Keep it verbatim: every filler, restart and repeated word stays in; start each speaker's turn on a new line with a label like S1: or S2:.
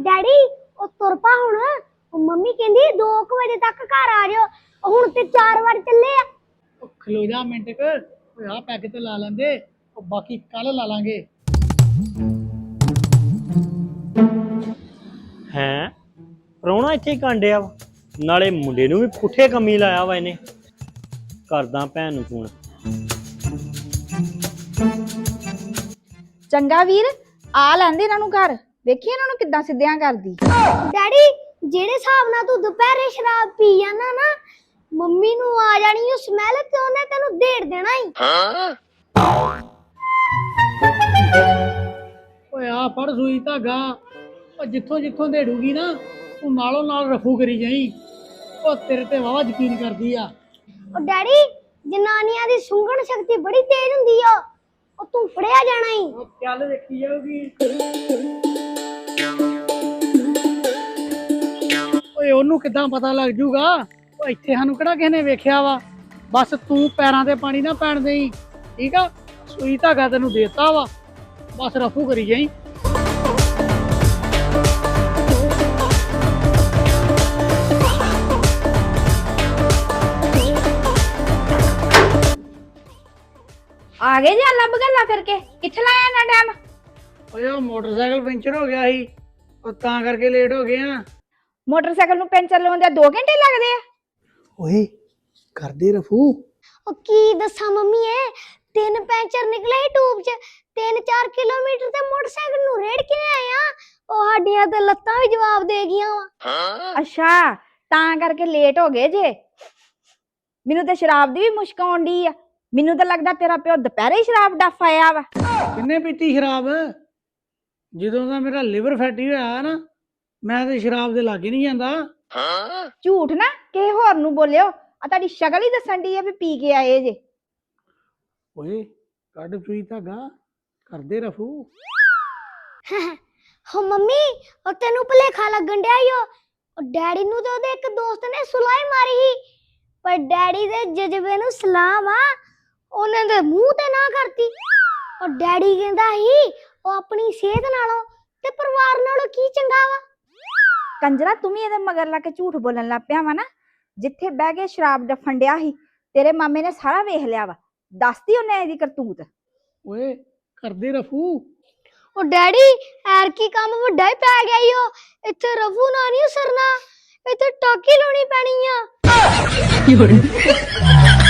S1: Daddy ओ तुर पा हुण मम्मी कहंदी दो बजे तक घर आ जाओ हुण ते चार बार चले आ
S2: खलो जा मिंट क आ पैग ते ला लेंदे बाकी कल ला लांगे
S3: हैं ਪ੍ਰਾਹੁਣਾ ਇੱਥੇ ਹੀ ਕਾਂਡਿਆ ਵਾ ਨਾਲੇ ਮੁੰਡੇ ਨੂੰ ਵੀ ਪੁੱਠੇ ਕੰਮੀ ਲਾਇਆ ਵਾ ਇਹਨੇ ਕਰਦਾ ਭੈਣ ਨੂੰ ਫੋਨ
S4: ਚੰਗਾ ਵੀਰ ਆ ਲੈਂਦੇ ਇਹਨਾਂ ਨੂੰ ਘਰ ਵੇਖੀ ਇਹਨਾਂ ਨੂੰ ਕਿੱਦਾਂ ਸਿੱਧਿਆਂ ਕਰਦੀ
S1: ਡੈਡੀ ਜਿਹੜੇ ਹਿਸਾਬ ਨਾਲ ਤੂੰ ਦੁਪਹਿਰੇ ਸ਼ਰਾਬ ਪੀ ਜਾਂਦਾ ਨਾ ਮੰਮੀ ਨੂੰ ਆ ਜਾਣੀ ਉਹ ਸਮੈਲ ਤੇ ਉਹਨੇ ਤੈਨੂੰ ਢੇੜ ਦੇਣਾ ਹੀ
S2: ਓਏ ਆ ਫੜ ਸੂਈ ਧਾਗਾ ਉਹ ਜਿੱਥੋਂ ਜਿੱਥੋਂ ਢੇੜੂਗੀ ਨਾ ਤੂੰ ਨਾਲੋਂ ਨਾਲ ਰਫੂ ਕਰੀ ਜਾਈ ਉਹ ਤੇਰੇ ਤੇ ਵਾਵਾ ਯਕੀਨ ਕਰਦੀ ਆ
S1: ਉਹ ਡੈਡੀ ਜਨਾਨੀਆਂ ਦੀ ਸੁੰਘਣ ਸ਼ਕਤੀ ਬੜੀ ਤੇਜ਼ ਹੁੰਦੀ ਆ ਉਹ ਤੂੰ ਫੜਿਆ ਜਾਣਾ ਹੀ
S2: ਉਹ ਚੱਲ ਵੇਖੀ ਜਾਊਗੀ ਓਏ ਉਹਨੂੰ ਕਿੱਦਾਂ ਪਤਾ ਲੱਗ ਜੂਗਾ ਉਹ ਇੱਥੇ ਸਾਨੂੰ ਕਿਹੜਾ ਕਿਸੇ ਨੇ ਵੇਖਿਆ ਵਾ ਬਸ ਤੂੰ ਪੈਰਾਂ ਤੇ ਪਾਣੀ ਨਾ ਪੈਣ ਦੇਈ ਠੀਕ ਆ ਸੂਈ ਧਾਗਾ ਤੈਨੂੰ ਦੇਤਾ ਵਾ ਬਸ ਰਫੂ ਕਰੀ ਜਾਈ
S4: ਆ ਗਏ ਜੀ ਲੱਭ ਗੱਲਾਂ ਕਰਕੇ ਕਿੱਥੇ ਲਾਇਆ ਨਾ ਟਾਈਮ
S2: ਓਏ ਉਹ ਮੋਟਰਸਾਈਕਲ ਪੈਂਚਰ ਹੋ ਗਿਆ ਸੀ ਉਹ ਤਾਂ ਕਰਕੇ ਲੇਟ ਹੋ ਗਏ ਆ
S4: ਮੋਟਰਸਾਈਕਲ ਨੂੰ ਪੈਂਚਰ ਲਾਉਂਦੇ ਦੋ ਘੰਟੇ ਲੱਗਦੇ ਆ
S2: ਓਏ ਕਰਦੇ ਰਫੂ
S1: ਉਹ ਕੀ ਦੱਸਾਂ ਮੰਮੀ ਐ ਤਿੰਨ ਪੈਂਚਰ ਨਿਕਲੇ ਸੀ ਟੂਬ 'ਚ ਤਿੰਨ ਚਾਰ ਕਿਲੋਮੀਟਰ ਤੇ ਮੋਟਰਸਾਈਕਲ ਨੂੰ ਰੇੜ ਕੇ ਆਇਆ ਉਹ ਸਾਡੀਆਂ ਤੇ ਲੱਤਾਂ ਵੀ ਜਵਾਬ ਦੇ ਗਈਆਂ ਵਾ
S4: ਅੱਛਾ ਤਾਂ ਕਰਕੇ ਲੇਟ ਹੋ ਗਏ ਜੇ ਮੈਨੂੰ ਤੇ ਸ਼ਰਾਬ ਦੀ ਵੀ ਮੁਸ਼ਕ ਆਉਂਦੀ ਆ ਮੈਨੂੰ ਤਾਂ ਲੱਗਦਾ ਤੇਰਾ ਪਿਓ ਦੁਪਹਿਰੇ ਹੀ ਸ਼ਰਾਬ ਡੱਫ ਆਇਆ ਵਾ
S2: ਕਿੰਨੇ ਪੀਤੀ ਸ਼ਰਾਬ ਜਦੋਂ ਦਾ ਮੇਰਾ ਲਿਵਰ ਫੈਟੀ ਹੋਇਆ ਨਾ ਮੈਂ ਤੇ ਸ਼ਰਾਬ ਦੇ ਲਾਗੇ ਨਹੀਂ ਜਾਂਦਾ
S4: ਝੂਠ ਨਾ ਕਿਸੇ ਹੋਰ ਨੂੰ ਬੋਲਿਓ ਆ ਤੁਹਾਡੀ ਸ਼ਕਲ ਹੀ ਦੱਸਣ ਦੀ ਆ ਵੀ ਪੀ ਕੇ ਆਏ ਜੇ
S2: ਓਏ ਕੱਢ ਸੂਈ ਧਾਗਾ ਕਰਦੇ ਰਫੂ
S1: ਹੋ ਮੰਮੀ ਉਹ ਤੈਨੂੰ ਭੁਲੇਖਾ ਲੱਗਣ ਡਿਆ ਈ ਓ। ਉਹ ਡੈਡੀ ਨੂੰ ਤੇ ਉਹਦੇ ਇੱਕ ਦੋਸਤ ਨੇ ਸੁਲਾਈ ਮਾਰੀ ਸੀ ਪਰ ਡੈਡੀ ਦੇ ਜਜ਼ਬੇ ਨੂੰ ਸਲਾਮ ਆ ਉਹਨਾਂ ਦੇ ਮੂੰਹ ਤੇ ਨਾ ਕਰਤੀ ਉਹ ਡੈਡੀ ਕਹਿੰਦਾ ਸੀ ਉਹ ਆਪਣੀ ਸਿਹਤ ਨਾਲੋਂ ਤੇ ਪਰਿਵਾਰ ਨਾਲੋਂ ਕੀ ਚੰਗਾ ਵਾ
S4: ਕੰਜਰਾ ਤੂੰ ਵੀ ਇਹਦੇ ਮਗਰ ਲਾ ਕੇ ਝੂਠ ਬੋਲਣ ਲੱਗ ਪਿਆ ਵਾ ਨਾ ਜਿੱਥੇ ਬਹਿ ਕੇ ਸ਼ਰਾਬ ਡੱਫਣ ਡਿਆ ਸੀ ਤੇਰੇ ਮਾਮੇ ਨੇ ਸਾਰਾ ਵੇਖ ਲਿਆ ਵਾ ਦੱਸਦੀ ਉਹਨੇ ਇਹਦੀ ਕਰਤੂਤ
S2: ਓਏ ਕਰਦੇ ਰਫੂ
S1: ਉਹ ਡੈਡੀ ਐਰ ਕੀ ਕੰਮ ਵੱਡਾ ਹੀ ਪੈ ਗਿਆ ਈ ਉਹ ਇੱਥੇ ਰਫੂ ਨਾ ਨਹੀਂ ਸਰਨਾ ਇੱਥੇ ਟਾਕੀ ਲਾਉਣੀ ਪੈਣੀ ਆ